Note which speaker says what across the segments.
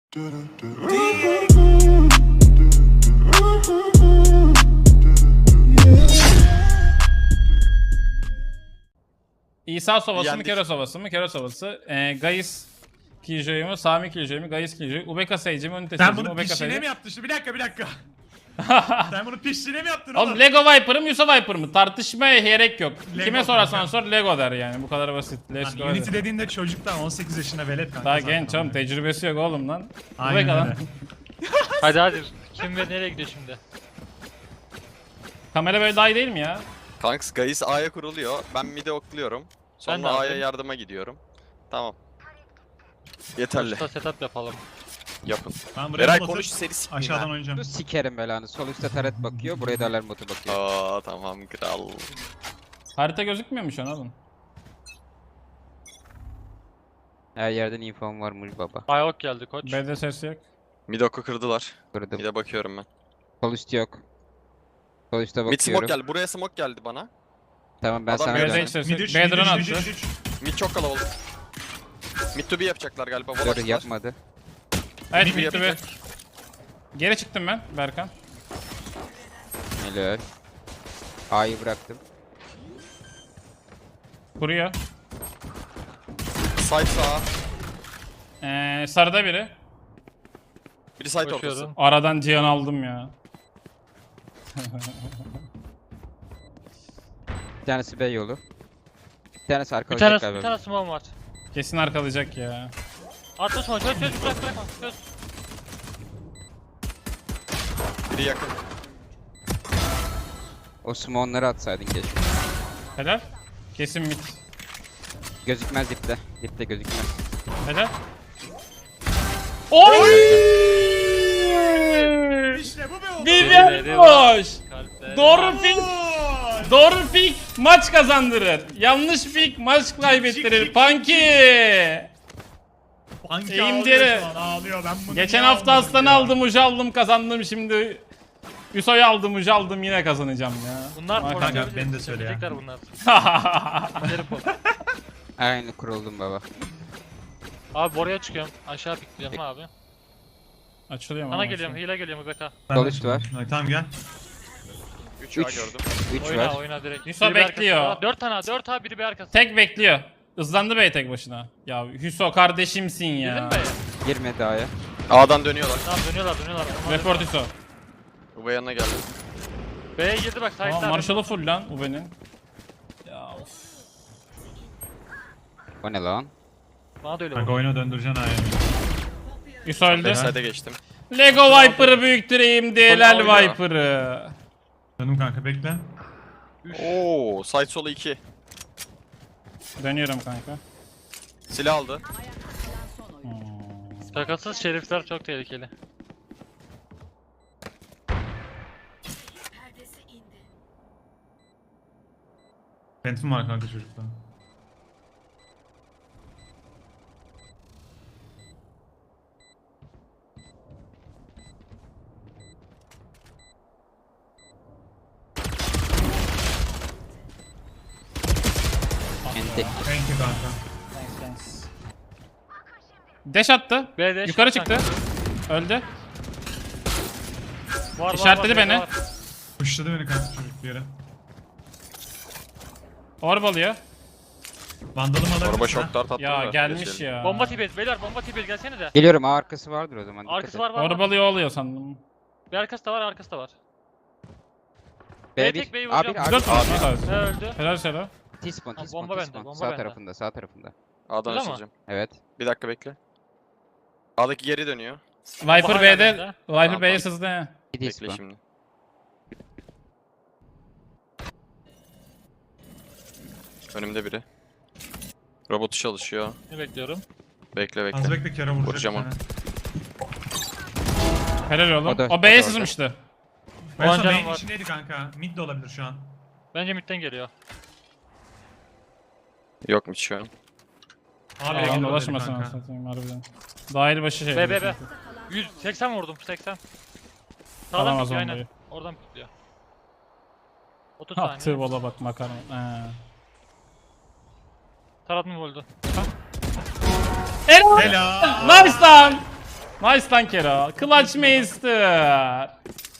Speaker 1: İsa Sovası mı,
Speaker 2: Yendik.
Speaker 1: Kero Sovası mı? Kero Sovası. Gaius Killjoy mu, Sami Killjoy mu, Gaius Killjoy, Ubeka Sage mi, Unite Sage
Speaker 3: Sen
Speaker 1: mi,
Speaker 3: bunu
Speaker 1: Ubeka
Speaker 3: pişliğine
Speaker 1: Sage
Speaker 3: mi yaptın? Şimdi bir dakika. Sen bunu pişliğine mi yaptın
Speaker 1: Oğlum Lego Viper mı, Yusa Viper mı? Tartışmaya gerek yok.
Speaker 3: Lego
Speaker 1: Kime sorarsan
Speaker 3: kanka.
Speaker 1: sor Lego der yani. Bu kadar basit. Let's go.
Speaker 3: Unity
Speaker 1: hadi.
Speaker 3: dediğinde çocuktan 18 yaşına velet kanka.
Speaker 1: Daha
Speaker 3: zaten
Speaker 1: genç oğlum,
Speaker 3: ama.
Speaker 1: tecrübesi yok oğlum lan.
Speaker 3: Aynen
Speaker 1: Ubeka lan.
Speaker 3: öyle.
Speaker 4: Hadi. Kim ve nereye gidiyor şimdi?
Speaker 1: Kamera böyle daha iyi değil mi ya?
Speaker 2: Kanks Gaius A'ya kuruluyor. Ben mid'e okluyorum.
Speaker 4: Ben de
Speaker 2: Sonra A'ya
Speaker 4: yapayım.
Speaker 2: yardıma gidiyorum. Tamam. Yeterli.
Speaker 4: Usta setup yapalım.
Speaker 2: Yapın.
Speaker 3: Ben buraya
Speaker 2: Eray
Speaker 3: botu
Speaker 2: konuş seni sikmeyeyim
Speaker 3: aşağıdan
Speaker 2: ha.
Speaker 3: oynayacağım.
Speaker 5: Sikerim belanı. Sol üstte taret bakıyor, buraya da alarm botu bakıyor.
Speaker 2: Aa tamam kral.
Speaker 1: Harita gözükmüyor mu şu an oğlum?
Speaker 5: Her yerden infom varmış baba.
Speaker 4: Ayok geldi koç.
Speaker 1: B'de ses yok.
Speaker 2: Mid oku kırdılar.
Speaker 5: Kırdım.
Speaker 2: Mid'e bakıyorum ben.
Speaker 5: Sol üst yok. Sol üstte
Speaker 2: Mid smoke
Speaker 5: bakıyorum.
Speaker 2: geldi. Buraya smoke geldi bana.
Speaker 5: Tamam ben
Speaker 2: Adam
Speaker 5: sana
Speaker 2: B'de
Speaker 1: B'de
Speaker 5: dönüyorum.
Speaker 1: hiç ses
Speaker 3: Mid
Speaker 1: yok.
Speaker 3: 3,
Speaker 1: B drone
Speaker 3: mid 3,
Speaker 1: attı.
Speaker 3: mid 3.
Speaker 2: Mid çok kalabalık. Mid to B yapacaklar galiba.
Speaker 5: Dur
Speaker 2: Volaştılar.
Speaker 5: yapmadı.
Speaker 1: Evet
Speaker 2: Mid
Speaker 1: bitti be.
Speaker 2: yapacak.
Speaker 1: Geri çıktım ben Berkan.
Speaker 5: Helal. A'yı bıraktım.
Speaker 1: Kuruyor.
Speaker 2: Side sağa.
Speaker 1: Sarıda biri.
Speaker 2: Biri side ortası.
Speaker 4: Koşuyorum.
Speaker 1: Aradan Cihan aldım ya.
Speaker 5: Bir tanesi B yolu. Bir tanesi
Speaker 4: Bir
Speaker 5: arkalayacak
Speaker 4: tane
Speaker 5: galiba.
Speaker 4: smoke var.
Speaker 1: Kesin arkalayacak ya.
Speaker 4: Atla smoke çöz bırakma çöz.
Speaker 2: Biri yakın.
Speaker 5: O smonları atsaydın keşke.
Speaker 1: Helal. Kesin mid.
Speaker 5: Gözükmez dipte. Dipte gözükmez.
Speaker 1: Helal. Oy!
Speaker 3: İşte bu be oğlum.
Speaker 1: Vivian boş.
Speaker 4: Kalpler.
Speaker 1: Doğru pick. Doğru pick maç kazandırır. Yanlış pick maç kaybettirir. Punky.
Speaker 3: Banki
Speaker 1: Eğim
Speaker 3: ağlıyor
Speaker 1: deri.
Speaker 3: şu an, ağlıyor. Ben bunu
Speaker 1: Geçen
Speaker 3: niye
Speaker 1: hafta
Speaker 3: almadım
Speaker 1: Aslan'ı
Speaker 3: ya?
Speaker 1: aldım, Ucu aldım, kazandım şimdi. Yuso'yu aldım, Ucu aldım, yine kazanacağım ya.
Speaker 4: Bunlar
Speaker 1: Bak-
Speaker 3: Kanka, beni de söyle ya.
Speaker 4: Söyleyecekler bunlar. Derim bu.
Speaker 5: Aynı kuruldum baba.
Speaker 4: Abi oraya çıkıyorum. Aşağı pikleyeceğim abi.
Speaker 1: Açılıyor mu?
Speaker 4: Sana
Speaker 1: ama
Speaker 4: geliyorum.
Speaker 1: şu?
Speaker 4: Hile geliyorum Ubeka.
Speaker 3: Ben
Speaker 5: Sol
Speaker 3: de-
Speaker 5: üst var.
Speaker 3: Ha, tamam gel.
Speaker 2: 3 A
Speaker 5: Üç.
Speaker 2: gördüm.
Speaker 5: 3
Speaker 4: Oyna
Speaker 5: var.
Speaker 4: oyna direkt.
Speaker 1: Yusuf
Speaker 4: Biri bir
Speaker 1: bekliyor.
Speaker 4: arkası. 4 tane biri bir arkası.
Speaker 1: Tek bekliyor. Hızlandı bey tek başına. Ya Hüso kardeşimsin
Speaker 4: Girdin
Speaker 1: ya.
Speaker 4: mi?
Speaker 5: Girmedi A'ya.
Speaker 2: A'dan dönüyorlar.
Speaker 4: Tamam dönüyorlar. Onlar
Speaker 1: Report Hüso.
Speaker 2: Uba yanına geldi.
Speaker 4: B'ye girdi bak
Speaker 1: Tamam
Speaker 4: side'lar.
Speaker 1: Marshall'ı full lan Ube'nin. Ya of.
Speaker 5: O ne lan?
Speaker 4: Bana da öyle
Speaker 3: Kanka
Speaker 4: oldu.
Speaker 3: oyuna döndüreceksin A'ya.
Speaker 1: Hüso öldü.
Speaker 2: Backside'e geçtim.
Speaker 1: Lego Viper'ı büyüktüreyim DLL
Speaker 2: oynuyor.
Speaker 1: Viper'ı.
Speaker 3: Döndüm kanka bekle.
Speaker 2: Oo, side solu 2.
Speaker 1: Dönüyorum kanka.
Speaker 2: Silah aldı.
Speaker 4: Şakasız şerifler çok tehlikeli.
Speaker 3: Phantom var kanka çocukta.
Speaker 5: Entek.
Speaker 3: Thank you kanka.
Speaker 1: Dash attı.
Speaker 4: B'de
Speaker 1: Yukarı çıktı. Öldü.
Speaker 4: Var,
Speaker 1: İşaretledi
Speaker 4: B'de
Speaker 1: beni.
Speaker 4: var.
Speaker 3: Pushladı beni kanka çocuk bir yere.
Speaker 1: Orb alıyor.
Speaker 3: Vandalım alabilirsin
Speaker 2: Araba
Speaker 3: ha.
Speaker 2: şok dart attı.
Speaker 1: Ya
Speaker 2: da
Speaker 1: gelmiş
Speaker 2: geçelim.
Speaker 1: ya.
Speaker 4: Bomba tipi beyler bomba tipi gelsene de.
Speaker 5: Geliyorum A arkası vardır o zaman. dikkat
Speaker 4: Arkası
Speaker 5: et.
Speaker 4: var var.
Speaker 1: Orb
Speaker 4: var.
Speaker 1: alıyor oluyor sandım.
Speaker 4: Bir arkası da var arkası da var.
Speaker 5: B1.
Speaker 4: tek B'yi
Speaker 5: A1
Speaker 4: vuracağım.
Speaker 1: Dört
Speaker 5: A1.
Speaker 1: mü? Nasıl?
Speaker 4: Ne öldü?
Speaker 1: Helal Selo.
Speaker 5: T-spawn
Speaker 4: Ha,
Speaker 5: T-spawn
Speaker 4: bomba bende,
Speaker 5: T-spawn.
Speaker 4: bomba
Speaker 5: Sağ
Speaker 4: bende.
Speaker 5: tarafında sağ tarafında.
Speaker 2: A'dan
Speaker 4: Öyle mi?
Speaker 2: açılacağım.
Speaker 5: Evet.
Speaker 2: Bir dakika bekle. A'daki geri dönüyor.
Speaker 1: Viper
Speaker 4: hala
Speaker 1: B'de.
Speaker 4: bende.
Speaker 1: Viper
Speaker 2: Tamam,
Speaker 1: B'ye
Speaker 2: tamam.
Speaker 1: sızdı. he.
Speaker 5: Bir
Speaker 2: Bekle
Speaker 5: T-spawn.
Speaker 2: şimdi. Önümde biri. Robotu çalışıyor.
Speaker 4: Ne bekliyorum?
Speaker 2: Bekle
Speaker 3: Az
Speaker 2: bekle.
Speaker 3: bekle kere vuracak.
Speaker 2: Vuracağım
Speaker 3: bir
Speaker 2: onu.
Speaker 1: Helal
Speaker 3: tane.
Speaker 1: oğlum.
Speaker 5: O da-
Speaker 1: O
Speaker 5: o
Speaker 1: B'ye
Speaker 5: da
Speaker 1: sızmıştı.
Speaker 3: Ben
Speaker 4: On
Speaker 3: sonra
Speaker 4: canım
Speaker 3: main
Speaker 4: var.
Speaker 3: içindeydi kanka. Mid de olabilir şu an.
Speaker 4: Bence midden geliyor.
Speaker 2: Yok mu şu an?
Speaker 3: Abi
Speaker 1: Alan
Speaker 3: A'ya
Speaker 1: dolaşmasın
Speaker 3: kanka.
Speaker 1: anasını satayım harbiden. Dahil başı şey.
Speaker 4: B B B. 180 vurdum 80. Sağdan
Speaker 1: Alamaz
Speaker 4: pikliyor
Speaker 1: onu
Speaker 4: aynen.
Speaker 1: dayı.
Speaker 4: Oradan pikliyor. 30
Speaker 1: Attığı
Speaker 4: saniye.
Speaker 1: bola bak makarna. He.
Speaker 4: Tarat mı öldü?
Speaker 1: Helal.
Speaker 3: Helal.
Speaker 1: Nice lan. Nice lan Kero. Clutch Meister.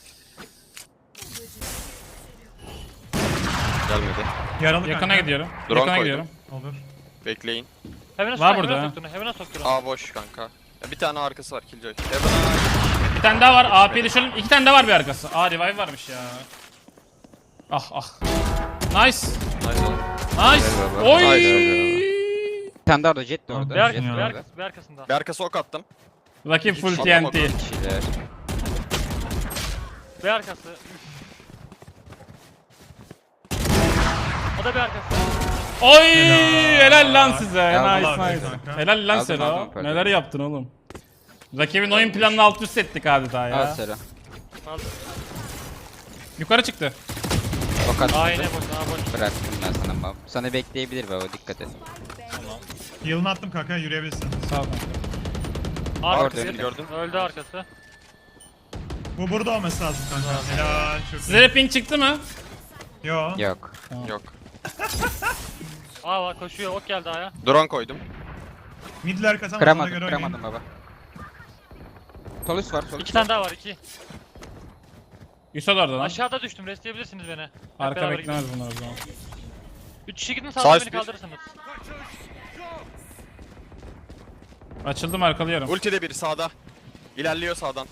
Speaker 2: Gelmedi.
Speaker 3: Yaralı
Speaker 1: Yakına
Speaker 3: kanka.
Speaker 1: gidiyorum.
Speaker 2: Drone
Speaker 1: Yakına
Speaker 2: koydum.
Speaker 1: gidiyorum.
Speaker 3: Olur.
Speaker 2: Bekleyin.
Speaker 4: Heaven'a
Speaker 1: Var
Speaker 4: sok,
Speaker 1: burada
Speaker 4: Heaven'a
Speaker 1: ha.
Speaker 4: soktuğunu, Heaven'a soktuğunu.
Speaker 2: A boş kanka. Ya bir tane arkası var Killjoy. Heaven'a.
Speaker 1: Bir tane daha var. AP düşürdüm. 2 tane daha var bir arkası. Aa revive varmış ya. Ah ah. Nice.
Speaker 2: Nice oğlum.
Speaker 1: Nice.
Speaker 5: Gel baba.
Speaker 1: Oy.
Speaker 2: Haydi.
Speaker 5: Bir tane daha orada, jet de orada.
Speaker 4: Bir arkası,
Speaker 5: Jet de
Speaker 4: bir
Speaker 5: orada.
Speaker 4: arkası, bir arkasında.
Speaker 2: Bir arkası ok attım.
Speaker 1: Rakip full
Speaker 2: Atamadım.
Speaker 1: TNT.
Speaker 5: Kişiler.
Speaker 4: Bir arkası. O da bir arkası.
Speaker 1: Oy helal lan size.
Speaker 3: Ya,
Speaker 1: Nice
Speaker 3: vallahi
Speaker 1: nice.
Speaker 3: kanka.
Speaker 1: Helal lan
Speaker 5: Aldım,
Speaker 1: Sero.
Speaker 5: aldım, pardon.
Speaker 1: Neler yaptın oğlum? Rakibin oyun planını alt üst ettik adeta
Speaker 5: Al
Speaker 1: ya.
Speaker 5: Sera.
Speaker 4: Aldım.
Speaker 1: Yukarı çıktı.
Speaker 5: Ok attı.
Speaker 4: Aa yine boş, aa boş.
Speaker 5: Bıraktım ben sana mal. Sana bekleyebilir baba, dikkat et.
Speaker 3: Heal'ını attım kanka, yürüyebilirsin.
Speaker 1: Sağ ol.
Speaker 2: Arkasını
Speaker 5: Orada.
Speaker 2: gördün.
Speaker 4: Öldü arkası.
Speaker 3: Bu burada olması lazım kanka. Helal, çok
Speaker 1: Size de ping çıktı mı?
Speaker 3: Yo.
Speaker 5: Yok.
Speaker 2: Yok.
Speaker 4: Aa var koşuyor, ok geldi aya.
Speaker 2: Drone koydum.
Speaker 3: Midler kazanmaz, ona
Speaker 5: Kıramadım,
Speaker 3: göre oynayın.
Speaker 5: kıramadım baba. Solus var, solus.
Speaker 4: İki tane daha var, iki.
Speaker 1: Yusuf orada lan.
Speaker 4: Aşağıda düştüm, restleyebilirsiniz beni. Hep
Speaker 1: Arka
Speaker 4: beraber
Speaker 1: beklemez
Speaker 4: gidelim.
Speaker 1: bunlar o zaman.
Speaker 4: 3 kişi gidin
Speaker 2: Sağ
Speaker 4: sağdan
Speaker 2: üst
Speaker 4: beni
Speaker 2: bir.
Speaker 4: kaldırırsınız.
Speaker 1: Açıldım arkalıyorum.
Speaker 2: Ulti de biri sağda. İlerliyor sağdan.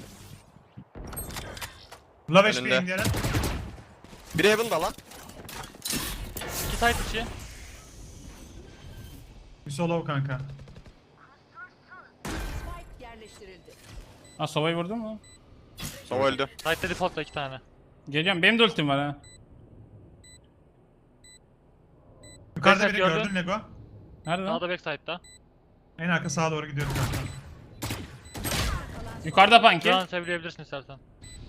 Speaker 3: Love
Speaker 2: Önünde.
Speaker 3: HP'yim gelen.
Speaker 2: Biri Heaven'da lan.
Speaker 4: 2 side içi.
Speaker 3: Bir solo kanka.
Speaker 6: Yerleştirildi.
Speaker 1: Ha Sova'yı vurdun mu?
Speaker 2: Sova öldü.
Speaker 4: Side'de default'ta 2 tane.
Speaker 1: Geliyorum. Benim de ultim var ha.
Speaker 3: Yukarıda
Speaker 4: Backup
Speaker 3: biri
Speaker 4: gördün.
Speaker 3: gördün Lego.
Speaker 1: Nerede lan?
Speaker 4: Sağda backside'da.
Speaker 3: En arka sağa doğru gidiyorum kanka.
Speaker 1: Yukarıda Panki.
Speaker 4: Şu an sevilebilirsin istersen.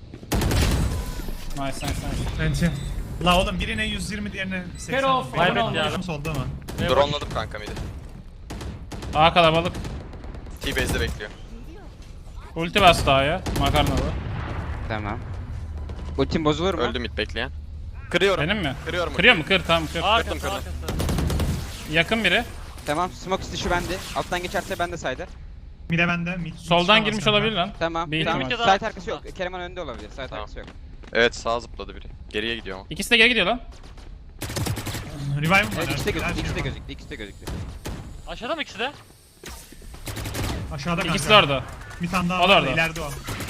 Speaker 1: Nice nice nice.
Speaker 3: Enti. La oğlum birine 120 diğerine 80.
Speaker 1: Kero,
Speaker 3: Benim
Speaker 4: kaybettik ya.
Speaker 3: başım solda ama.
Speaker 2: Drone'ladım kanka midi.
Speaker 1: Aa kalabalık.
Speaker 2: T-base'de bekliyor.
Speaker 1: Ulti bastı A'ya. Makarnalı.
Speaker 5: Tamam. Ultim bozulur mu?
Speaker 2: Öldü mid bekleyen. Kırıyorum.
Speaker 1: Benim mi?
Speaker 2: Kırıyorum.
Speaker 1: Kırıyor mu? Kır tamam kır.
Speaker 4: Arkası,
Speaker 2: kırdım.
Speaker 4: arkası.
Speaker 1: Yakın biri.
Speaker 5: Tamam, smoke dışı bende. Alttan geçerse bende saydı.
Speaker 3: Mide bende.
Speaker 1: Soldan
Speaker 3: çıkamaz
Speaker 1: girmiş
Speaker 3: kanka.
Speaker 1: olabilir lan.
Speaker 5: Tamam.
Speaker 1: Bir
Speaker 5: tamam.
Speaker 1: ihtimal.
Speaker 5: Site arkası yok. Kereman önde olabilir. Site
Speaker 2: Tamam.
Speaker 5: arkası yok.
Speaker 2: Evet sağa zıpladı biri. Geriye gidiyor ama.
Speaker 1: İkisi de geri gidiyor lan.
Speaker 3: Revive'ım var.
Speaker 5: Evet, ikisi de
Speaker 3: her
Speaker 5: gözüktü.
Speaker 3: şey
Speaker 5: İkisi de
Speaker 3: var.
Speaker 5: gözüktü. İkisi de gözüktü.
Speaker 4: Aşağıda mı ikisi de?
Speaker 3: Aşağıda kanka.
Speaker 1: İkisi de orada.
Speaker 3: Bir tane daha
Speaker 1: O da
Speaker 3: var.
Speaker 1: orada.
Speaker 3: İleride o.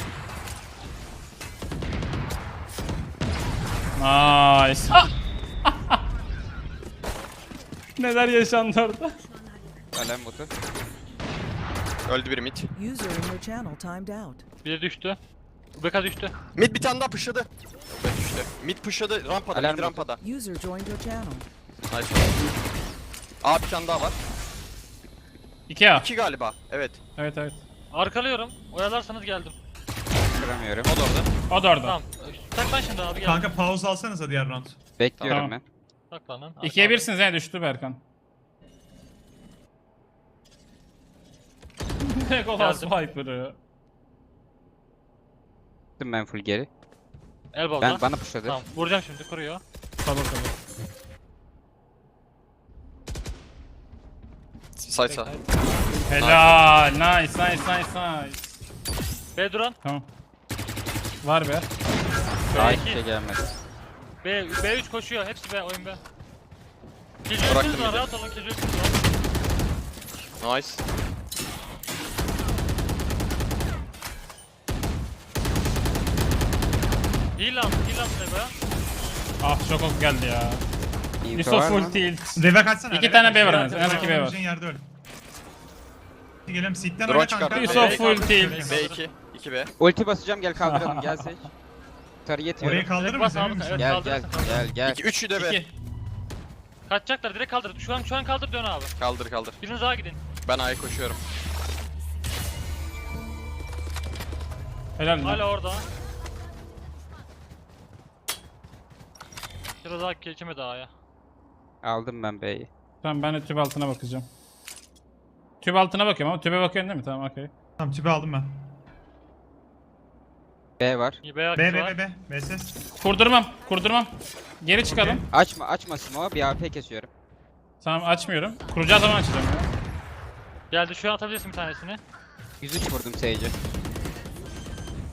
Speaker 1: Nice. Neler yaşandı orada?
Speaker 5: Alem botu.
Speaker 2: Öldü biri mid.
Speaker 6: User in your channel timed out.
Speaker 4: Biri düştü. Ubeka düştü.
Speaker 2: Mid bir tane daha pushladı. Evet düştü. Mid pushladı. Rampada.
Speaker 5: Alarm
Speaker 2: Mid rampada.
Speaker 6: User joined your channel.
Speaker 2: Nice. A bir tane daha var.
Speaker 1: 2A.
Speaker 2: 2 galiba. Evet.
Speaker 1: Evet evet.
Speaker 4: Arkalıyorum. Oyalarsanız geldim.
Speaker 5: Kıramıyorum.
Speaker 2: O da orada.
Speaker 1: O da orada.
Speaker 4: Tamam. Saklan şimdi abi gel.
Speaker 3: Kanka pause alsanıza diğer round.
Speaker 5: Bekliyorum
Speaker 1: Tamam.
Speaker 5: ben.
Speaker 4: Saklanın.
Speaker 1: 2'ye 1'siniz he düştü Berkan. Legolas
Speaker 4: Geldim.
Speaker 1: Viper'ı.
Speaker 5: Gittim ben full geri.
Speaker 4: Elbow'da.
Speaker 5: Ben bana pushladı.
Speaker 4: Tamam. Vuracağım şimdi. Kuruyor.
Speaker 1: Tabii tabii.
Speaker 2: Side sağ.
Speaker 1: Helal. Nice nice nice nice.
Speaker 4: B duran.
Speaker 1: Tamam. Var be.
Speaker 5: Daha
Speaker 4: B2.
Speaker 5: hiçbir şey gelmedi.
Speaker 4: B3 koşuyor. Hepsi B. Oyun B.
Speaker 2: Bıraktım
Speaker 4: Killjoy'sünüz var.
Speaker 2: bir de.
Speaker 4: Rahat olun. Killjoy'sünüz var.
Speaker 2: Nice.
Speaker 4: Heal al. Heal al be.
Speaker 1: Ah çok ok geldi ya.
Speaker 5: Info
Speaker 1: Yusuf
Speaker 5: var
Speaker 1: full
Speaker 5: mı?
Speaker 1: tilt.
Speaker 3: Reve kaçsana.
Speaker 1: İki
Speaker 3: reve
Speaker 1: tane
Speaker 3: kaç.
Speaker 1: B var
Speaker 3: Reve
Speaker 1: en az.
Speaker 3: kaç.
Speaker 1: En az iki B var.
Speaker 3: Olabileceğin yerde öl. Gelelim sitten
Speaker 2: Drone
Speaker 3: oyna
Speaker 2: çıkardı.
Speaker 3: kanka.
Speaker 1: Yusuf
Speaker 4: B
Speaker 1: full
Speaker 4: kaldır,
Speaker 1: tilt.
Speaker 4: B kaldır.
Speaker 2: B2. 2B.
Speaker 5: Ulti basacağım, gel kaldıralım, gel seç. Tarı yetiyorum.
Speaker 3: Orayı kaldırır
Speaker 4: Bas
Speaker 3: mısın?
Speaker 4: abi,
Speaker 3: Emin misin?
Speaker 4: evet.
Speaker 5: Gel gel
Speaker 4: Kaldırırsın,
Speaker 5: gel gel.
Speaker 2: 2 3'ü de B.
Speaker 1: 2.
Speaker 4: Kaçacaklar. Direkt kaldır. Şu an kaldır dön abi.
Speaker 2: Kaldır kaldır.
Speaker 4: Biriniz daha gidin.
Speaker 2: Ben A'ya koşuyorum.
Speaker 1: Helal lan.
Speaker 4: Hala orada. Biraz daha geçemedi A'ya.
Speaker 5: Aldım ben B'yi.
Speaker 1: Tamam ben de tüp altına bakacağım. Tüp altına bakıyorum ama tübe bakıyorsun değil mi? Tamam okey.
Speaker 3: Tamam tüpü aldım ben.
Speaker 5: B var.
Speaker 4: İyi B
Speaker 3: B
Speaker 4: arkası
Speaker 3: B
Speaker 4: var.
Speaker 3: B B. B ses.
Speaker 1: Kurdurmam. Kurdurmam. Geri çıkalım.
Speaker 3: Okey.
Speaker 5: Açma smoke, bir AP kesiyorum.
Speaker 1: Tamam açmıyorum. Kuracağı zaman açacağım ya.
Speaker 4: Geldi şu an atabilirsin bir tanesini.
Speaker 5: 103 vurdum Sage'e.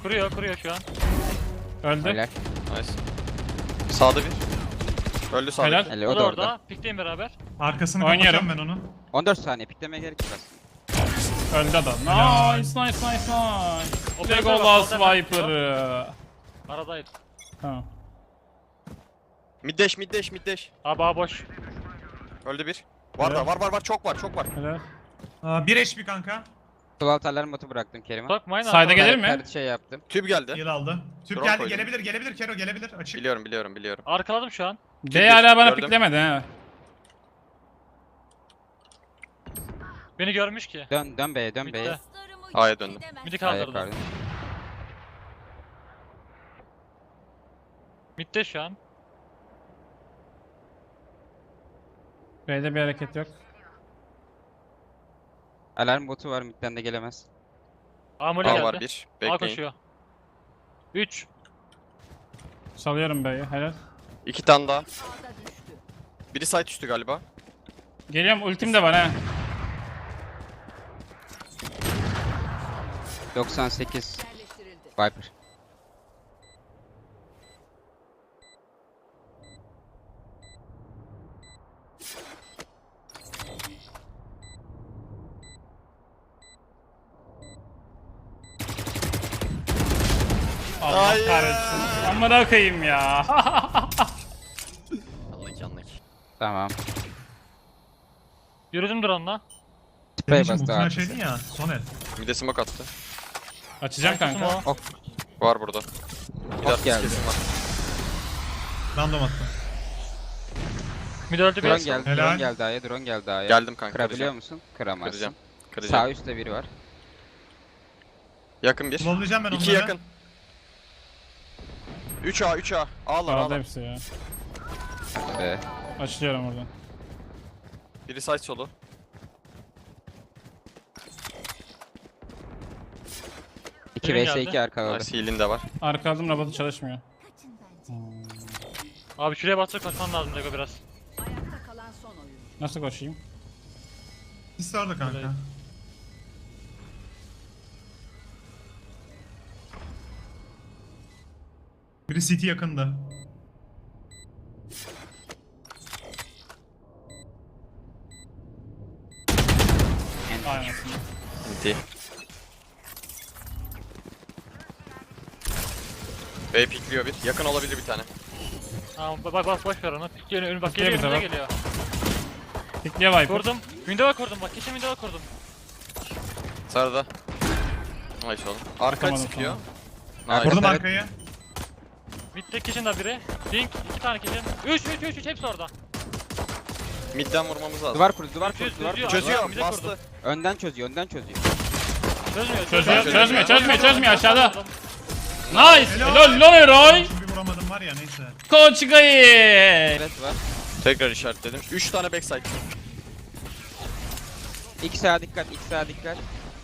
Speaker 4: Kuruyor şu an.
Speaker 1: Öldü.
Speaker 5: Helal.
Speaker 2: Nice. Sağda bir. Öldü sağda.
Speaker 1: Helal.
Speaker 5: Helal,
Speaker 4: O
Speaker 5: o
Speaker 4: da
Speaker 5: da
Speaker 4: orada.
Speaker 5: orada.
Speaker 4: Pikleyin beraber.
Speaker 3: Arkasını
Speaker 1: Oynuyorum.
Speaker 3: kapatacağım ben onun.
Speaker 5: 14 saniye piklemeye gerek yok aslında.
Speaker 1: Öldü adam.
Speaker 3: Helal.
Speaker 1: Nice nice nice nice.
Speaker 4: Operatör
Speaker 1: Lego
Speaker 4: bak,
Speaker 1: Last
Speaker 4: operatör
Speaker 1: Viper'ı.
Speaker 4: Aradayız.
Speaker 1: Tamam.
Speaker 2: Mid dash.
Speaker 4: Abi A boş.
Speaker 2: Öldü bir. Var da var çok var.
Speaker 1: Helal.
Speaker 3: 1 HP kanka.
Speaker 5: Sol alt alarm botu bıraktım Kerim'e.
Speaker 4: Bak mine
Speaker 1: Sayda gelir mi?
Speaker 5: Her şey yaptım.
Speaker 2: Tüp geldi.
Speaker 3: Heal aldı. Tüp
Speaker 2: Drone
Speaker 3: geldi.
Speaker 2: koydum.
Speaker 3: Gelebilir Kero gelebilir. Açık.
Speaker 2: Biliyorum.
Speaker 4: Arkaladım şu an.
Speaker 1: B hala bana
Speaker 2: Gördüm.
Speaker 1: piklemedi he.
Speaker 4: Beni görmüş ki.
Speaker 5: Dön B'ye dön
Speaker 4: Bitti.
Speaker 5: B'ye.
Speaker 2: A'ya döndüm.
Speaker 4: Midi
Speaker 5: A'ya
Speaker 4: kaldırdım.
Speaker 5: kaldın.
Speaker 4: Mid'de şu an.
Speaker 1: B'de bir hareket yok.
Speaker 5: Alarm botu var midden de gelemez.
Speaker 4: A mole
Speaker 2: A
Speaker 4: geldi.
Speaker 2: var bir.
Speaker 4: A
Speaker 2: Bekleyin.
Speaker 4: koşuyor. 3.
Speaker 1: Salıyorum B'yi. Helal.
Speaker 2: 2 tane daha.
Speaker 6: A'da düştü.
Speaker 2: Biri site üstü galiba.
Speaker 1: Geliyorum, ultim de var he.
Speaker 5: 98
Speaker 6: Yerleştirildi.
Speaker 5: Viper.
Speaker 1: Allah
Speaker 2: Hayır.
Speaker 1: kahretsin. Amına koyayım ya.
Speaker 2: Anlık.
Speaker 5: Tamam.
Speaker 4: Yürüdüm drone'la.
Speaker 5: Sprey
Speaker 3: Senin için
Speaker 5: bastı
Speaker 3: ultuna
Speaker 5: artık.
Speaker 3: şeydin ya. Soner.
Speaker 2: Mid'e smoke attı.
Speaker 1: Açacağım kanka.
Speaker 4: Kusum o.
Speaker 5: Ok.
Speaker 2: Var burada. Bir
Speaker 5: Ok geldi.
Speaker 2: kesin var.
Speaker 3: Random attım.
Speaker 4: Mid öldü
Speaker 5: Drone
Speaker 4: bir.
Speaker 5: geldi.
Speaker 3: Helal.
Speaker 5: Drone geldi A'ya.
Speaker 2: Geldim kanka.
Speaker 5: Kırabiliyor
Speaker 2: Kıracağım.
Speaker 5: musun? Kıramazsın.
Speaker 2: Kıracağım.
Speaker 5: Sağ üstte biri var.
Speaker 2: Yakın bir.
Speaker 3: Slowlayacağım ben onları.
Speaker 2: 2 yakın. 3A. A'lar.
Speaker 1: Aldı hepsi ya.
Speaker 5: Be.
Speaker 1: Açılıyorum oradan.
Speaker 2: Biri side solu.
Speaker 5: 2
Speaker 4: Benim
Speaker 5: vs
Speaker 4: geldi.
Speaker 5: 2 arka kaldı.
Speaker 2: Nice heal'in de var.
Speaker 1: Arka aldım, robotu çalışmıyor.
Speaker 4: Abi şuraya bastık koşman lazım Lego biraz.
Speaker 6: Ayakta kalan son oyun.
Speaker 1: Nasıl koşayım?
Speaker 3: Sis vardı kanka.
Speaker 4: Öyle.
Speaker 3: Biri CT yakında.
Speaker 1: Aynen.
Speaker 2: Bitti. B pikliyor bir. Yakın olabilir bir tane.
Speaker 4: Tamam bak boş ver onu. Önü bak
Speaker 1: Pikliyor
Speaker 4: geliyor
Speaker 1: bize
Speaker 4: önüne
Speaker 1: bak.
Speaker 4: geliyor.
Speaker 1: Pikliye Viper.
Speaker 4: Kurdum. Window'a kurdum bak. Kesin window'a kurdum.
Speaker 2: Sarıda. Nice oğlum. Arka
Speaker 1: Atamadım,
Speaker 2: sıkıyor.
Speaker 5: tamam.
Speaker 2: Nice.
Speaker 3: Vurdum
Speaker 5: Evet.
Speaker 3: arkayı.
Speaker 4: Mid'de kitchen'da biri. Pink 2 tane kitchen. 3 hepsi orada.
Speaker 2: Midden vurmamız lazım.
Speaker 5: Duvar kurdu, duvar kurdu,
Speaker 4: Çözüyor,
Speaker 5: duvar kurdu.
Speaker 2: Çözüyor.
Speaker 4: Bir de
Speaker 2: Bastı.
Speaker 4: kurdum.
Speaker 5: Önden çözüyor.
Speaker 1: Çözmüyor aşağıda. Nice. Lol Eroy.
Speaker 3: Şimdi bir vuramadım var ya neyse.
Speaker 1: Koç Gayı.
Speaker 5: Evet var.
Speaker 2: Tekrar işaretledim. 3 tane backside.
Speaker 5: 2 sağa dikkat, 2 sağa dikkat.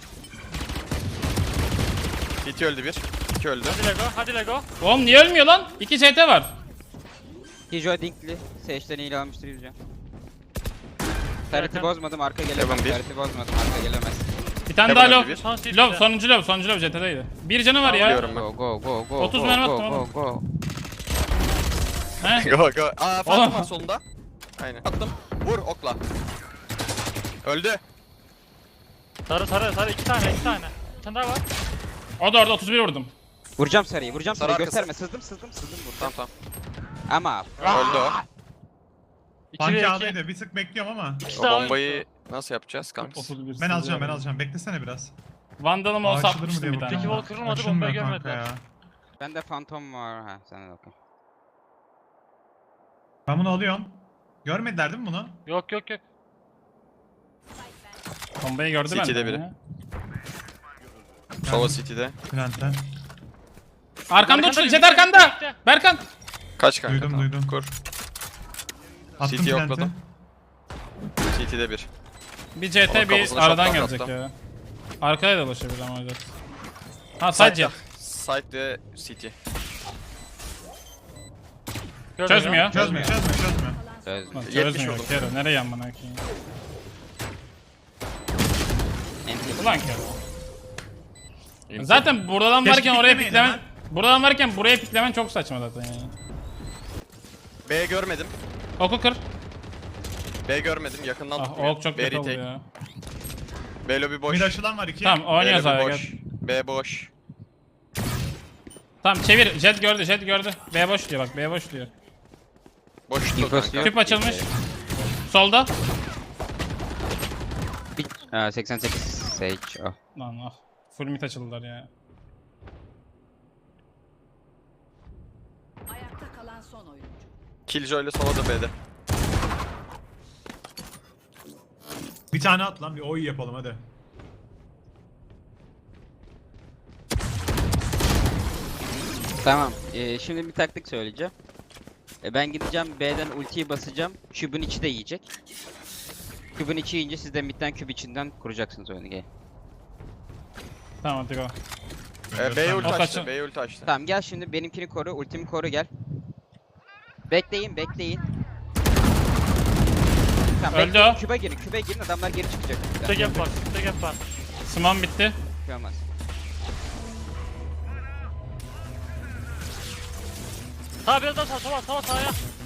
Speaker 2: CT öldü bir. 2 öldü.
Speaker 4: Hadi Lego.
Speaker 1: Oğlum niye ölmüyor lan? 2 CT var.
Speaker 5: Hijo Dinkli. Sage'den iyi almıştır Yüce. Tarıtı
Speaker 4: Yakın.
Speaker 5: bozmadım, arka gelemez.
Speaker 2: Heaven bir.
Speaker 5: Tarıtı bozmadım, arka gelemez.
Speaker 1: Bir tane
Speaker 2: Heaven
Speaker 1: daha
Speaker 2: öldü
Speaker 1: low.
Speaker 2: bir.
Speaker 1: Low, sonuncu low CT'deydi. Bir canı var ya.
Speaker 2: Biliyorum ben.
Speaker 5: Go.
Speaker 1: 30 mermi attım oğlum.
Speaker 5: Go.
Speaker 1: He?
Speaker 2: Go. Aa Phantom
Speaker 1: Oğlum.
Speaker 2: var solunda. Aynen. Attım. Vur okla. Öldü.
Speaker 4: Sarı 2 tane. Bir tane daha var.
Speaker 1: O da orada 31 vurdum.
Speaker 5: Vuracağım sarıyı,
Speaker 2: Sarı
Speaker 5: sarıyı.
Speaker 2: arkası.
Speaker 5: Gösterme, sızdım buradan.
Speaker 2: Tamam.
Speaker 5: Ama
Speaker 2: Öldü o.
Speaker 4: 2 ve
Speaker 3: Banki
Speaker 4: 2.
Speaker 3: A'daydı. Bir tık bekliyorum ama.
Speaker 4: İkisi
Speaker 2: O
Speaker 4: de
Speaker 2: bombayı nasıl yapacağız kanka?
Speaker 1: 31.
Speaker 3: Ben alacağım. Beklesene biraz.
Speaker 1: Vandalım olsa
Speaker 3: Açılır mı
Speaker 1: atmıştım
Speaker 3: diye
Speaker 1: bir tane.
Speaker 4: Peki,
Speaker 3: bakıyorum.
Speaker 4: wall kırılmadı,
Speaker 3: Açılmıyor
Speaker 4: bombayı
Speaker 3: kanka
Speaker 4: görmediler.
Speaker 3: ya.
Speaker 5: bende fantom var. Ha, sen de bakın.
Speaker 3: Ben bunu alıyorum. Görmediler değil mi bunu?
Speaker 4: Yok.
Speaker 1: Bombayı gördü benden.
Speaker 2: CT'de biri.
Speaker 1: ya.
Speaker 2: Sova City'de.
Speaker 3: Plant'ten.
Speaker 1: Arkanda
Speaker 4: Arkanda
Speaker 1: uçtu.
Speaker 4: bir
Speaker 1: Jet
Speaker 4: şey
Speaker 1: arkanda.
Speaker 4: bekle.
Speaker 1: Berkan.
Speaker 2: Kaç kanka?
Speaker 3: Duydum,
Speaker 2: tamam.
Speaker 3: duydum.
Speaker 2: Kur.
Speaker 3: Attım
Speaker 2: CT
Speaker 3: plant'e.
Speaker 2: yokladım. City'de bir.
Speaker 1: Bir CT
Speaker 2: Oğlum
Speaker 1: bir
Speaker 2: kafasına
Speaker 1: aradan
Speaker 2: şaptan
Speaker 1: gelecek
Speaker 2: kaptım.
Speaker 1: ya. Arkaya da dolaşabilir ama Jet. Ha side Jet.
Speaker 2: Side ve City.
Speaker 1: Çözmüyor.
Speaker 3: Çözmüyor.
Speaker 5: Çözdüm.
Speaker 1: Lan
Speaker 2: 70
Speaker 1: çözmüyor.
Speaker 2: vurdum.
Speaker 1: Kero nereye yanmana koyayım?
Speaker 5: Enti.
Speaker 1: Ulan Kero. Zaten buradan
Speaker 3: Keşke
Speaker 1: varken oraya
Speaker 3: piklemeyeydin
Speaker 1: piklemen... Buradan varken buraya piklemen çok saçma zaten yani.
Speaker 2: B görmedim.
Speaker 1: Oku kır.
Speaker 2: B görmedim. Yakından
Speaker 1: Ah
Speaker 2: tutmuyor.
Speaker 1: ok çok
Speaker 2: B
Speaker 1: kötü oldu
Speaker 2: retake.
Speaker 1: ya.
Speaker 2: B lobby boş.
Speaker 3: Mid açılan var 2.
Speaker 1: Tamam
Speaker 2: B
Speaker 1: oynuyoruz
Speaker 2: lobby
Speaker 1: abi
Speaker 2: boş.
Speaker 1: gel.
Speaker 2: B boş.
Speaker 1: Tamam çevir. Jet gördü, jet gördü. B boş diyor bak, B boş diyor.
Speaker 2: Boş tuttu
Speaker 5: İnfosu
Speaker 2: kanka.
Speaker 5: yok.
Speaker 1: Tüp açılmış. Solda.
Speaker 5: Ha, 88 Sage. Oh.
Speaker 1: Lan ah. Full mid açıldılar ya.
Speaker 6: Ayakta kalan son oyuncu.
Speaker 2: Killjoy ile Sova da B'de.
Speaker 3: Bir tane at lan bir oy yapalım hadi.
Speaker 5: Tamam. Şimdi bir taktik söyleyeceğim. Ben gideceğim B'den ultiyi basacağım. Kübün içi de yiyecek. Kübün içi yiyince siz de midden küp içinden kuracaksınız oyunu. Gel.
Speaker 1: Tamam hadi go.
Speaker 2: B'ye ulti
Speaker 1: Ok
Speaker 2: açtı.
Speaker 1: açın.
Speaker 2: B'ye ulti açtı.
Speaker 5: Tamam gel şimdi benimkini koru, ultimi koru gel. Bekleyin, bekleyin. Tamam,
Speaker 1: Öldü
Speaker 5: bekleyin.
Speaker 1: o.
Speaker 5: Kübe girin adamlar geri çıkacak.
Speaker 4: Tek gap var. Tek gap var.
Speaker 1: Smam bitti.
Speaker 5: Çıkamaz.
Speaker 4: Sağ biraz daha sağ sağa.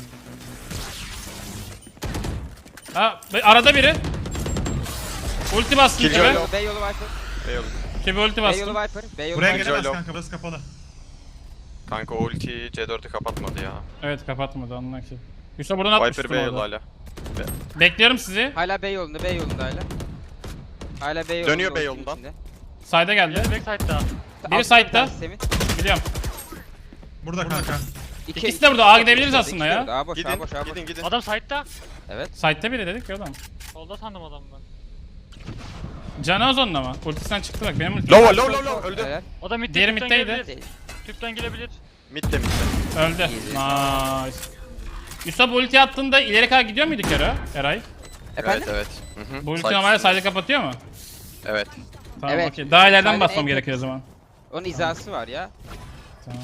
Speaker 1: Ha arada biri. Ulti bastım
Speaker 2: Killjoy
Speaker 1: kibe.
Speaker 2: yok.
Speaker 5: B yolu Viper.
Speaker 2: B yolu.
Speaker 1: Kibe ulti
Speaker 5: B
Speaker 1: bastım.
Speaker 5: yolu Viper. B yolu
Speaker 3: Buraya
Speaker 5: Viper.
Speaker 3: gelemez
Speaker 2: Low.
Speaker 3: kanka burası kapalı.
Speaker 2: Kanka o ultiyi C4'ü kapatmadı ya.
Speaker 1: Evet kapatmadı anla ki. Yusuf buradan atmıştım
Speaker 2: Viper B yolu
Speaker 1: orada.
Speaker 2: hala.
Speaker 1: Bekliyorum sizi.
Speaker 5: Hala B yolunda hala. Hala B yolunda.
Speaker 2: Dönüyor B
Speaker 5: ultinin
Speaker 2: yolundan.
Speaker 5: içinde.
Speaker 1: Side'a geldi.
Speaker 4: Biri backside'da.
Speaker 1: Biri
Speaker 5: Altında
Speaker 1: side'da.
Speaker 5: bir tanesi Semih.
Speaker 1: Biliyorum.
Speaker 3: Burada kanka.
Speaker 1: İkisi de burada, A gidebiliriz aslında ya.
Speaker 5: A boş,
Speaker 2: Gidin,
Speaker 5: A boş, A boş.
Speaker 2: gidin.
Speaker 4: Adam side'da.
Speaker 5: Evet.
Speaker 1: Side'da biri dedik ya adam.
Speaker 4: Solda sandım adamı ben.
Speaker 1: Canı Ozon'la mı? Ultisinden çıktı bak benim ultim.
Speaker 2: Low öldü.
Speaker 5: Helal.
Speaker 4: O da mid
Speaker 1: Diğeri
Speaker 4: tüpten
Speaker 1: middeydi.
Speaker 4: gelebilir. Tüpten gelebilir.
Speaker 2: Mid de mid de.
Speaker 1: Öldü. Nice. Yusuf bu ulti attığında ileri kadar gidiyor muydu Kero? Eray.
Speaker 5: Efendim?
Speaker 2: Evet. Hı hı.
Speaker 1: Bu ulti
Speaker 2: Side
Speaker 1: normalde
Speaker 2: üstünde.
Speaker 1: side'ı kapatıyor mu?
Speaker 2: Evet.
Speaker 1: Tamam
Speaker 5: Evet.
Speaker 1: okey. Daha ileriden
Speaker 5: Side'ın
Speaker 1: basmam
Speaker 5: en
Speaker 1: gerekiyor o zaman.
Speaker 5: Onun hizası var ya.
Speaker 1: Tamam.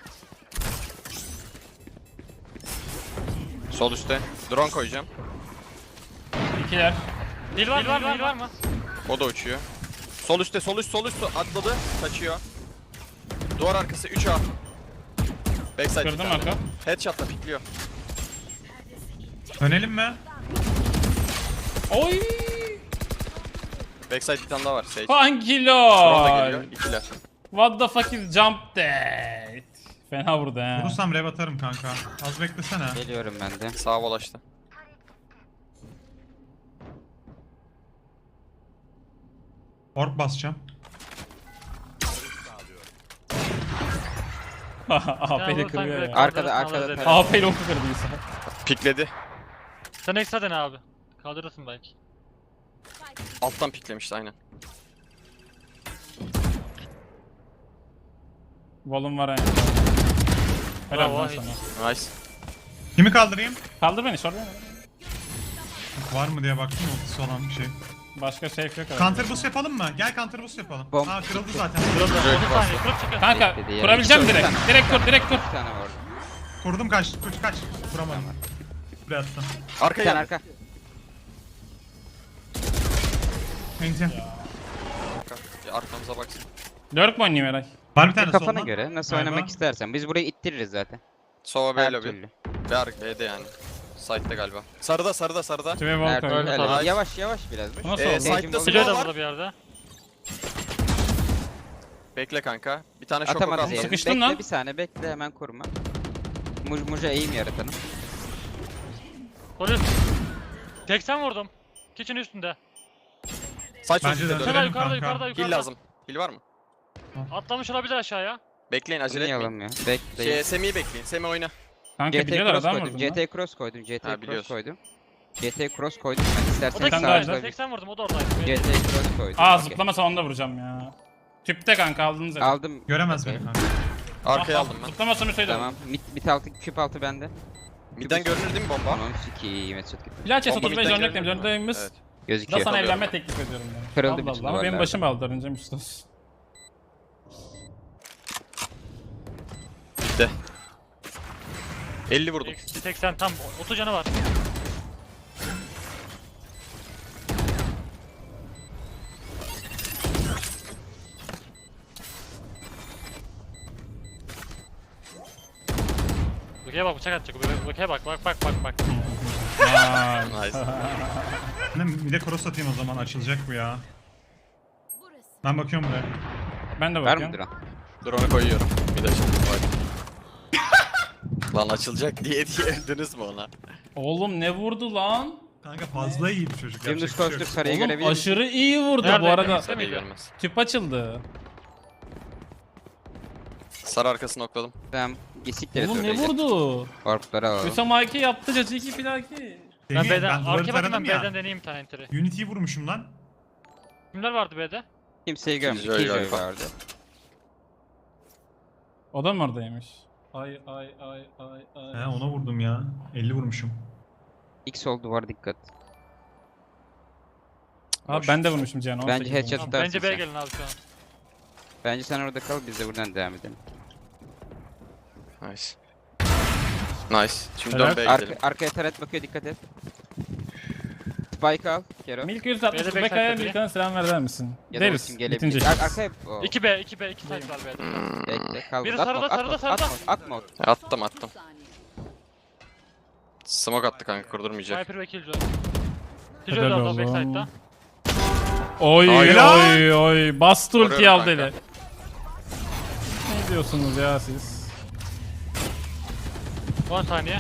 Speaker 2: Sol üstte. Drone koyacağım.
Speaker 1: İkiler.
Speaker 4: Dil var mı?
Speaker 2: O da uçuyor. Sol üstte sol üst atladı. Kaçıyor. Duvar arkası 3A. Backside bir
Speaker 1: Kırdım
Speaker 2: tane.
Speaker 1: arka.
Speaker 2: Headshot'la pikliyor.
Speaker 3: Dönelim mi?
Speaker 1: Oy!
Speaker 2: Backside bir tane daha var. Sage.
Speaker 1: Hangi
Speaker 2: Drone da geliyor.
Speaker 1: lol?
Speaker 2: İkiler.
Speaker 1: What the fuck is jump that? Fena vurdu he.
Speaker 3: Vurursam rev atarım kanka. Az beklesene.
Speaker 5: Geliyorum ben de.
Speaker 2: Sağa dolaştı.
Speaker 3: Orb basacağım.
Speaker 1: AP ile
Speaker 4: Ya,
Speaker 1: kırıyor
Speaker 4: sen-
Speaker 1: ya.
Speaker 5: Arkada, arkada.
Speaker 4: Kaldırırsın,
Speaker 5: taraf.
Speaker 1: AP ile oku kırdıysa.
Speaker 2: Pikledi.
Speaker 4: Sen ekstra dene abi. Kaldırırsın belki.
Speaker 2: Alttan piklemişti aynen.
Speaker 1: Volum var yani. Helal
Speaker 4: Bravo,
Speaker 1: lan
Speaker 4: hiç.
Speaker 1: sana.
Speaker 2: Nice.
Speaker 3: Kimi kaldırayım?
Speaker 1: Kaldır beni sorma.
Speaker 3: Var mı diye baktım ultisi olan bir şey.
Speaker 1: Başka safe yok abi.
Speaker 3: Counter boost yapalım mı? Gel counter boost yapalım.
Speaker 5: Bom.
Speaker 3: Aa kırıldı zaten.
Speaker 4: 30 saniye kırıp çıkın.
Speaker 1: Kanka
Speaker 5: Bekledi ya.
Speaker 1: kurabileceğim
Speaker 5: İki
Speaker 1: direkt.
Speaker 5: tane.
Speaker 1: Direkt kur, direkt kur.
Speaker 5: Bir tane var.
Speaker 3: Kurdum kaç. Kaç. Kuramadım. Buraya attım.
Speaker 5: Bir
Speaker 2: Arkaya
Speaker 5: tane
Speaker 2: gel.
Speaker 5: arka.
Speaker 3: Enti.
Speaker 2: Ya arkamıza baksın.
Speaker 1: Lurk mu oynayayım Eray?
Speaker 3: Var bir tane
Speaker 5: Kafana
Speaker 3: soldan.
Speaker 5: göre nasıl
Speaker 3: Galiba.
Speaker 5: oynamak istersen. Biz burayı ittiririz zaten.
Speaker 2: Sova B
Speaker 5: Her
Speaker 2: lobby.
Speaker 5: türlü.
Speaker 2: B'de yani. Side'de galiba. Sarıda.
Speaker 1: Tüve
Speaker 5: Her
Speaker 1: vol
Speaker 5: türlü.
Speaker 1: koydum.
Speaker 5: Helal.
Speaker 2: Nice.
Speaker 5: Yavaş yavaş biraz.
Speaker 1: Bu nasıl oldu?
Speaker 2: Side'da
Speaker 5: Sage'in
Speaker 4: Biliyor
Speaker 2: smoke
Speaker 4: da
Speaker 2: var.
Speaker 4: burada bir yerde.
Speaker 2: Bekle kanka. Bir tane şok oku
Speaker 5: Atamadı
Speaker 2: attım.
Speaker 5: diyelim.
Speaker 1: Sıkıştın
Speaker 5: Bekle
Speaker 1: lan.
Speaker 5: bir saniye bekle hemen kurma. Muja eğim yaratanım.
Speaker 4: Polis. 80 vurdum. Kitchen üstünde.
Speaker 2: Saç
Speaker 3: Bence
Speaker 2: üstünde
Speaker 3: de.
Speaker 2: dön.
Speaker 4: Yukarıda
Speaker 3: kanka.
Speaker 4: yukarıda.
Speaker 2: Heal lazım. Heal var mı?
Speaker 4: Atlamış olabilir aşağıya.
Speaker 2: Bekleyin acele etmeyin.
Speaker 5: Oynayalım ya. Bekle.
Speaker 2: Semih'i bekleyin. Semih oyna.
Speaker 1: Kanka
Speaker 5: GT
Speaker 1: biliyorlar
Speaker 5: cross
Speaker 1: adam
Speaker 5: koydum.
Speaker 1: vurdu lan.
Speaker 5: GT cross koydum. GT
Speaker 2: Ha,
Speaker 5: cross
Speaker 2: biliyorsun.
Speaker 5: koydum. GT cross koydum. Ben
Speaker 4: O da
Speaker 5: istersen
Speaker 1: tane
Speaker 4: kitchen
Speaker 1: daha
Speaker 5: sağa
Speaker 1: var.
Speaker 4: üstünde. 80 vurdum o da oradaydı.
Speaker 5: GT cross koydum.
Speaker 1: Aa
Speaker 5: Okey.
Speaker 1: zıplamasa onu da vuracağım ya. Tüpte kanka aldınız zaten.
Speaker 5: Aldım.
Speaker 3: Göremez
Speaker 5: Okey.
Speaker 3: beni kanka.
Speaker 2: Arkaya aldım ben.
Speaker 1: Zıplamasa müsait
Speaker 5: Tamam. Mid altı, küp altı bende.
Speaker 2: Midden görünür değil mi bomba?
Speaker 5: Onun sikiyim Mesut gitti.
Speaker 1: Bilaçes
Speaker 2: Bomba
Speaker 1: 35
Speaker 2: midden
Speaker 1: örnek
Speaker 2: görünür mü?
Speaker 1: döndüğümüz.
Speaker 2: Evet.
Speaker 1: Da
Speaker 5: Gözüküyor.
Speaker 1: sana
Speaker 2: Tabii.
Speaker 1: evlenme teklif ediyorum ben.
Speaker 5: Kırıldı
Speaker 1: Allah
Speaker 5: bütün
Speaker 1: Allah ama benim
Speaker 5: duvarlar.
Speaker 1: başım aldı önce Müstas.
Speaker 2: Bitti. 50 vurdum.
Speaker 4: Eksi 80 tam 30 canı var. Buke'ye bak bıçak atacak. Buke'ye bak.
Speaker 2: Nice.
Speaker 3: Bir de cross atayım o zaman, açılacak bu ya. Ben bakıyorum buraya.
Speaker 1: Ben de
Speaker 5: Var mı
Speaker 1: bakıyorum.
Speaker 5: drone?
Speaker 2: Drone'u koyuyorum. Bir de şimdi bak. Lan açılacak diye öldünüz mü ona?
Speaker 1: Oğlum ne vurdu lan?
Speaker 3: Kanka fazla iyi bir çocuk.
Speaker 5: Dümdüz
Speaker 3: yapacak bir şey
Speaker 5: koştur
Speaker 3: yok.
Speaker 5: sarıyı
Speaker 1: Oğlum
Speaker 5: görebilir misin?
Speaker 1: aşırı iyi vurdu
Speaker 4: Nerede?
Speaker 1: bu arada.
Speaker 4: Kimse
Speaker 2: Sarıyı
Speaker 4: miydi?
Speaker 2: görmez.
Speaker 1: Tüp açıldı.
Speaker 2: Sarı arkasını okladım.
Speaker 5: Tamam. Gesikleri
Speaker 1: Oğlum ne
Speaker 5: söyleyecek.
Speaker 1: vurdu?
Speaker 5: Orpları alalım.
Speaker 1: Hüsam Aki yaptı Caciki Filaki.
Speaker 4: Ben
Speaker 3: Deneyim,
Speaker 4: B'den
Speaker 3: duvarı
Speaker 4: arkaya bakayım, ben
Speaker 3: taradım ya.
Speaker 4: B'den deneyeyim bir tane entry.
Speaker 3: Unity'yi vurmuşum lan.
Speaker 4: Kimler vardı B'de?
Speaker 5: Kimseyi görmedik.
Speaker 2: Killjoy
Speaker 5: Killjoy
Speaker 2: galiba.
Speaker 5: vardı.
Speaker 1: O da mı oradaymış? Ay.
Speaker 3: He ona vurdum ya. 50 vurmuşum.
Speaker 5: X sol duvar dikkat.
Speaker 1: Abi ben de vurmuşum Cihan. 18
Speaker 5: Bence headshot
Speaker 1: vurmuşum.
Speaker 5: tutarsın
Speaker 4: Bence B'ye
Speaker 5: sen.
Speaker 4: gelin abi şu an.
Speaker 5: Bence sen orada kal, biz de buradan devam edelim.
Speaker 2: Nice. Nice. Şimdi
Speaker 1: Helal.
Speaker 2: dön B'ye gidelim.
Speaker 5: Arkaya taret bakıyor, dikkat et. Spike al, Kero.
Speaker 1: Milk 160
Speaker 4: B'de
Speaker 1: Beka'ya
Speaker 4: backside
Speaker 1: Milk'e selam verir misin?
Speaker 5: Ya da
Speaker 1: Deriz.
Speaker 5: ultim
Speaker 1: Bitince.
Speaker 5: gelebilir. Arkaya... Oh,
Speaker 4: 2B, 2 site var B'de.
Speaker 5: bekle, kal.
Speaker 4: Biri
Speaker 5: Atma,
Speaker 4: sarıda,
Speaker 5: atma,
Speaker 4: sarıda, sarıda.
Speaker 5: atma, atma.
Speaker 2: Attım.
Speaker 6: 30 saniye.
Speaker 2: Smoke attı kanka, kurdurmayacak.
Speaker 4: Sniper ve Killjoy.
Speaker 1: Helal
Speaker 4: Killjoy da
Speaker 1: oğlum.
Speaker 4: aldı backside'da.
Speaker 1: Oy
Speaker 2: Helal.
Speaker 1: oy. Bastı ultiyi
Speaker 2: Koruyorum
Speaker 1: al
Speaker 2: kanka.
Speaker 1: deli. Ne diyorsunuz ya siz?
Speaker 4: 10 saniye.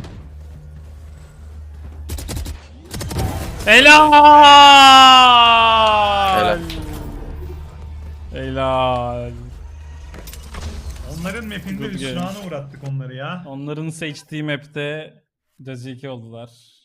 Speaker 1: Helal. Helal.
Speaker 3: Onların map'inde
Speaker 1: Good game.
Speaker 3: hüsrana uğrattık onları ya.
Speaker 1: Onların seçtiği map'te Caciki oldular.